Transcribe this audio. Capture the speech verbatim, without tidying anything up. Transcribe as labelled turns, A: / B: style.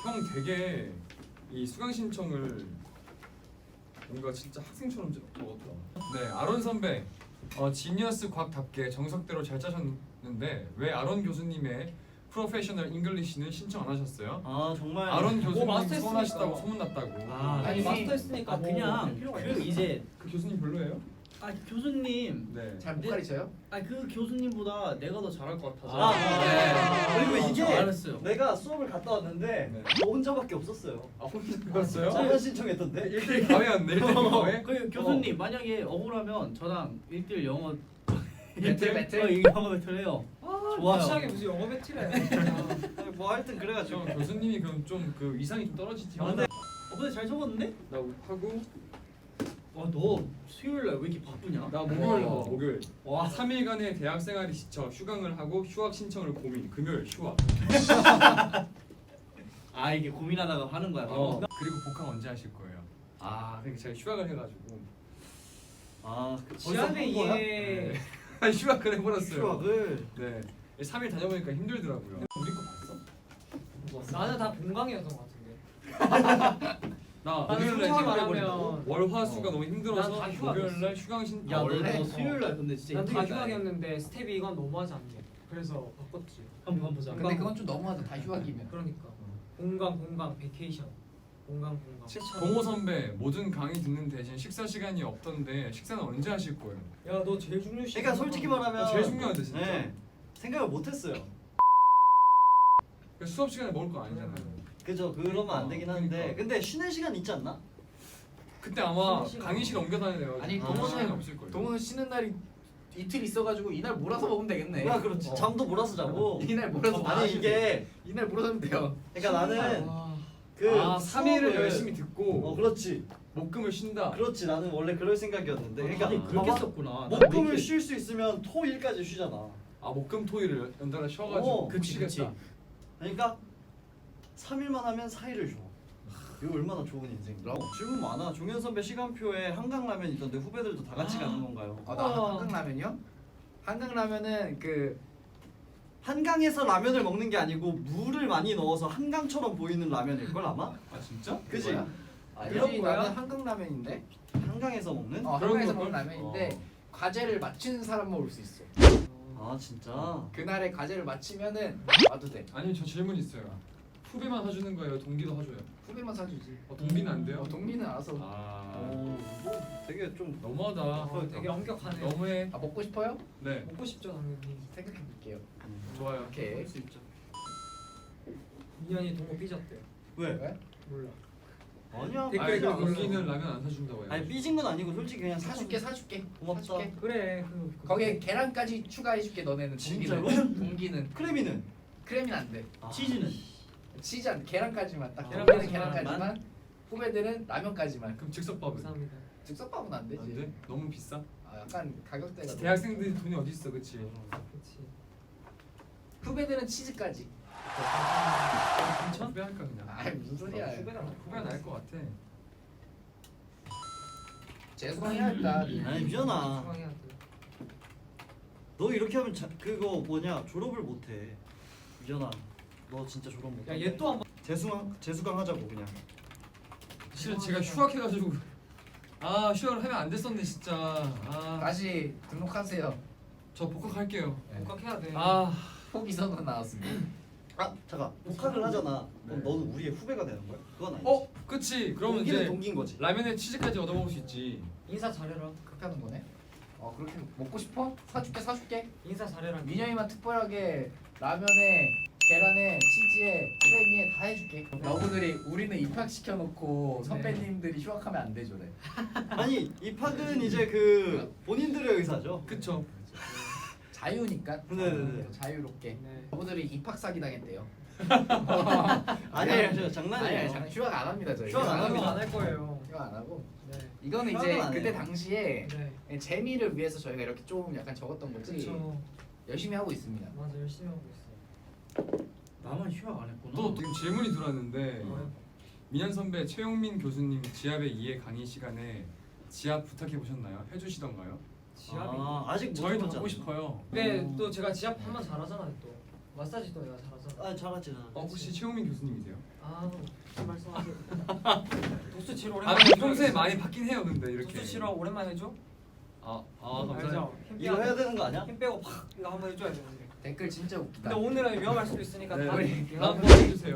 A: 형 되게 이 수강 신청을 뭔가 진짜 학생처럼 적었다. 네, 아론 선배, 어, 지니어스 과학답게 정석대로 잘 짜셨는데 왜 아론 교수님의 프로페셔널 잉글리시는 신청 안 하셨어요?
B: 아 정말.
A: 아론 교수님
C: 마스터
A: 서운하시다고
C: 했으니까.
A: 소문났다고.
B: 아,
C: 아니
B: 아니,
C: 마스터 했으니까
B: 아
C: 뭐
B: 그냥
C: 필요가
B: 그
C: 있나?
B: 이제
A: 그 교수님 별로예요?
B: 아 교수님.
A: 네.
D: 잘 못 가르쳐요?
B: 아 그 교수님보다 내가 더 잘할 것 같아서.
A: 아,
B: 네. 그리고
C: 아,
B: 이게
C: 알았어요.
B: 내가 수업을 갔다 왔는데
A: 네.
B: 너 혼자밖에 없었어요.
A: 아 혼자 갔어요?
B: 저만 신청했던데.
A: 일 대 일 가회였네. 일 대 일 가회?
B: 그 교수님 만약에 억울하면 저랑 일 대 일 영어
D: 배틀 배틀?
B: 어, 이거 영어 배틀 해요. 좋아요.
C: 확실하게 무슨 영어 배틀해.
B: 아니, 뭐 하여튼 그래가지고.
A: 저 교수님이 그럼 좀 그 위상이 좀 떨어지지.
B: 아, 근데 어 근데 잘 적었는데?
A: 나 하고
B: 와 너 수요일 날 왜 이렇게 바쁘냐?
A: 나 목요일
D: 와.
A: 봐 목요일.
B: 와.
A: 삼 일간의 대학 생활이 지쳐 휴강을 하고 휴학 신청을 고민. 금요일 휴학.
B: 아 이게 고민하다가 하는 거야.
A: 어.
B: 바로?
A: 그리고 복학 언제 하실 거예요? 아 그러니까 제가 휴학을 해가지고
B: 아 그
C: 지한의
B: 벌써 한 거야?
C: 이해.
A: 네. 휴학을 해버렸어요.
B: 휴학을.
A: 네. 삼 일 다녀보니까 힘들더라고요. 우리 거 봤어?
C: 나는 다 공강이었던 것 같은데.
A: 나
C: 나는
A: 목요일날
C: 휴학 안
A: 휴학을
C: 하면
A: 해버린다고? 월화수가 너무 힘들어서
C: 난다
A: 목요일날 휴강 신.
B: 야, 너,
D: 원래?
B: 너 수요일 날 근데 진짜
C: 난다
B: 힘들겠다.
C: 휴학이었는데 스텝이 이건 너무하지 않게. 그래서 바꿨지.
B: 한번 보자.
D: 근데 그건 좀 너무하다. 다 휴학이면.
C: 그러니까 공강 공강 베케이션. 공강 공강.
A: 동호 선배 모든 강의 듣는 대신 식사 시간이 없던데 식사는 언제 하실 거예요?
C: 야 너 제일 중요시.
B: 그러니까 솔직히 말하면
A: 아, 제일 중요한데 진짜.
B: 네, 생각을 못했어요.
A: 그 수업 시간에 먹을 거 아니잖아요.
B: 그죠? 그러면 안 되긴 하는데
A: 그러니까.
B: 근데 쉬는 시간 있지 않나?
A: 그때 아마
C: 쉬는 시간.
A: 강의실 옮겨 다니네요.
D: 아니,
A: 동호 시간이
D: 동호는-
A: 없을 거예요.
D: 동호는 쉬는 날이 이틀 있어가지고 이날 몰아서 먹으면 되겠네.
B: 야 그렇지.
D: 어.
B: 잠도 몰아서 자고.
D: 이날 몰아서
B: 아니
D: 마시고.
B: 이게
D: 이날 몰아서 하면 돼요.
B: 그러니까 나는
C: 와.
B: 그
A: 아, 삼 일을
B: 수업을-
A: 열심히 듣고
B: 어 그렇지.
A: 목금을 쉰다.
B: 그렇지. 나는 원래 그럴 생각이었는데. 그러니까
C: 아니,
B: 봐봐.
C: 그렇게 썼구나.
B: 목금을 쉴 수 있으면 토일까지 쉬잖아.
A: 아 목금 토일을 연달아 쉬어가지고
B: 어,
C: 그치,
A: 쉬겠다.
C: 그치.
B: 그러니까 삼 일만 하면 사 일을 줘. 이거 얼마나 좋은 인생이야. 어, 질문 많아. 종현 선배 시간표에 한강라면 있던데 후배들도 다 같이 가는 건가요?
D: 아, 나
C: 우와.
D: 한강라면이요? 한강라면은 그
B: 한강에서 라면을 먹는 게 아니고 물을 많이 넣어서 한강처럼 보이는 라면일 걸 아마?
A: 아 진짜?
B: 그지?
D: 뭐야?
B: 아니야?
D: 아니지,
C: 거야?
D: 나는 한강라면인데.
B: 한강에서 먹는?
D: 어,
A: 그런
D: 한강에서
A: 걸걸?
D: 먹는 라면인데 과제를 맞추는 사람만 올 수 있어.
B: 아 진짜?
D: 그날의 과제를 맞추면은 와도 돼.
A: 아니 저 질문 있어요. 후배만 사주는 거예요? 동기도 사줘요?
D: 후배만 사주지.
A: 어, 동기는 안 돼요?
D: 어, 동기는 알아서.
A: 아
B: 오, 뭐 되게 좀
A: 너무하다.
C: 어, 되게 엄격하네.
A: 너무해.
D: 아 먹고 싶어요?
A: 네
C: 먹고 싶죠 당연히.
D: 생각해 볼게요.
A: 좋아요.
D: 오케이.
A: 그럴 수 있죠.
C: 민현이 동호 삐졌대요.
B: 왜?
D: 왜?
C: 몰라.
B: 아니야.
C: 댓글
A: 아니 그
C: 안
A: 동기는 라면 안 사준다고 해요.
B: 아니 삐진 건 아니고 솔직히 그냥
D: 사줄게 사줄게.
B: 고맙다.
D: 사줄게.
C: 그래 그. 그
D: 거기에 계란까지 추가해줄게 너네는.
B: 진짜로?
D: 동기는. 동기는
B: 크래미는?
D: 크래미는 안 돼.
B: 아. 치즈는?
D: 치즈 안 계란까지만 딱.
C: 아,
D: 동기는
C: 계란까지만?
D: 계란까지만. 후배들은 라면까지만.
A: 그럼 즉석밥은?
C: 감사합니다.
D: 즉석밥은 안 되지.
A: 안 돼? 너무 비싸?
D: 아 약간 가격대가. 너무-
A: 대학생들이 돈이 어디 있어, 그치?
C: 그렇지.
D: 후배들은 치즈까지.
C: 괜찮?
A: 후배 할까 그냥?
D: 아 무슨 소리야.
C: 후배가
A: 후배가 나을 것 같아.
D: 재수강해야 할까?
B: 아니 미연아.
C: 중앙해야 돼.
B: 너 이렇게 하면 자, 그거 뭐냐 졸업을 못해. 미연아. 너 진짜 졸업 못해.
C: 야얘 또 한 번.
B: 재수강 재수강 하자고 그냥.
A: 실은 제가 휴학해가지고 아 휴학을 하면 안 됐었네 진짜. 아,
D: 다시 등록하세요.
A: 저 복학할게요.
D: 네.
C: 복학해야 돼.
A: 아,
D: 포기 선언 나왔습니다.
B: 아 잠깐. 복학을 하잖아. 그럼
A: 네.
B: 너는 우리의 후배가 되는 거야? 그건 아니지.
A: 어, 그치. 그러면
B: 동기는
A: 이제
B: 동기인 거지.
A: 라면에 치즈까지 얻어먹을 수 있지.
C: 인사 잘해라.
D: 그렇게 하는 거네. 어 그렇게 먹고 싶어? 사줄게 사줄게.
C: 인사 잘해라.
D: 민영이만 특별하게 라면에 계란에 치즈에 크래미에 다 해줄게. 너구들이 우리는 입학시켜놓고 선배님들이 휴학하면 안 되죠래.
B: 아니 입학은 이제 그 본인들의 의사죠.
A: 그쵸.
D: 자유니까.
B: 네네네.
D: 어, 자유롭게.
C: 네.
D: 너구들이 입학 사기 당했대요.
B: 아니에요, 저 장난이에요.
D: 아니에요. 장- 휴학 안 합니다 저희.
B: 휴학 안 합니다.
C: 안할 거예요.
D: 휴학 안 하고.
C: 네.
D: 이거는
B: 휴학은
D: 이제
B: 안
D: 그때
B: 해요.
D: 당시에
C: 네.
D: 재미를 위해서 저희가 이렇게 좀 약간 적었던 거지.
C: 그렇죠.
D: 열심히 하고 있습니다.
C: 맞아 열심히 하고 있어.
B: 나만 휴학 안 했구나.
A: 또 지금 질문이 들어왔는데
C: 어.
A: 민현 선배 최용민 교수님 지압의 이해 강의 시간에 지압 부탁해 보셨나요? 해주시던가요?
C: 지압이.
B: 아, 아직 못
A: 저희도
B: 해봤잖아.
A: 받고 싶어요.
C: 근데
B: 음.
C: 또 제가 지압 하면 잘하잖아 또. 마사지 또 내가 잘하잖아.
B: 아 잘하지 나.
A: 어, 혹시 최용민 교수님이세요?
C: 아 아 말씀하세요.
E: 도수 치료
A: 아
E: 오랜만에.
A: 근데 평소에 많이 받긴 해요 근데 이렇게.
E: 도수 치료 오랜만에 해줘.
A: 아, 아 감사해요.
C: 알죠?
E: 힘
B: 이거
E: 빼고-
B: 해야 되는 거 아니야?
E: 힘 빼고 팍 이거 한번 해줘야 되는데.
D: 댓글 진짜 웃기다.
E: 근데 오늘은 위험할 수도 있으니까
A: 네.
E: 다
A: 다음 번 해주세요.